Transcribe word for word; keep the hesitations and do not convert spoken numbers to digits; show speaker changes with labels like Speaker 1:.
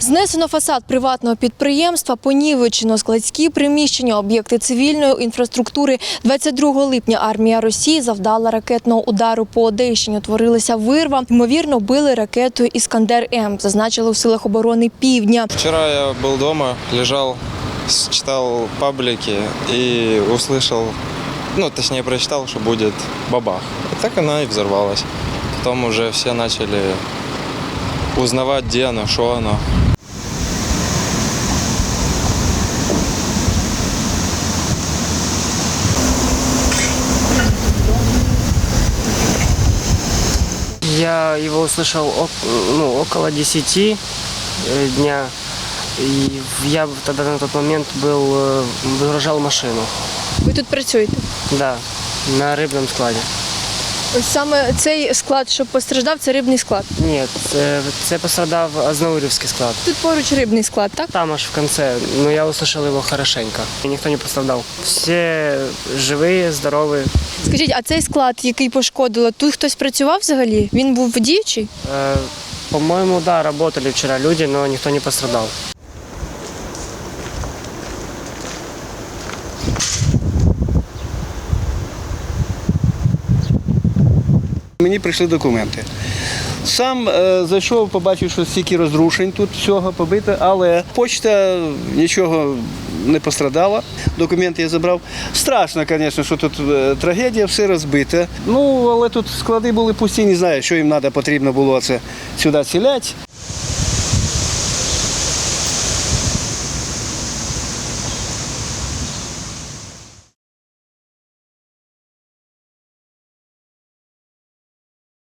Speaker 1: Знесено фасад приватного підприємства, понівечено складські приміщення, об'єкти цивільної інфраструктури. двадцять другого липня армія Росії завдала ракетного удару по Одещині. Утворилася вирва. Ймовірно, били ракетою «Іскандер-М», зазначили у силах оборони Півдня.
Speaker 2: Вчора я був вдома, лежав, читав паблики і услышав, ну, точніше, прочитав, що буде бабах. І так вона і взорвалась. Потім вже всі почали узнавати, де воно, що воно.
Speaker 3: Я его услышал ну, около десяти дня. И я тогда на тот момент был, выгружал машину.
Speaker 1: Ви тут працюєте?
Speaker 3: Да, на рыбном складе.
Speaker 1: Ось саме цей склад, що постраждав, це рибний склад.
Speaker 3: Нет, це, це пострадав Азнаурівський склад.
Speaker 1: Тут поруч рибний склад, так?
Speaker 3: Там аж в конце, но я услышал его хорошенько. И никто не пострадал. Все живые, здоровые.
Speaker 1: Скажіть, а цей склад, який пошкодило, тут хтось працював взагалі? Він був діючий?
Speaker 3: Э, по-моему, да, работали вчера люди, но никто не пострадал.
Speaker 4: Мені прийшли документи. Сам е, зайшов, побачив, що стільки розрушень тут всього побито, але почта нічого не пострадала. Документи я забрав. Страшно, звісно, що тут е, трагедія, все розбите. Ну, але тут склади були пусті, не знаю, що їм треба, потрібно було це сюди ціляти.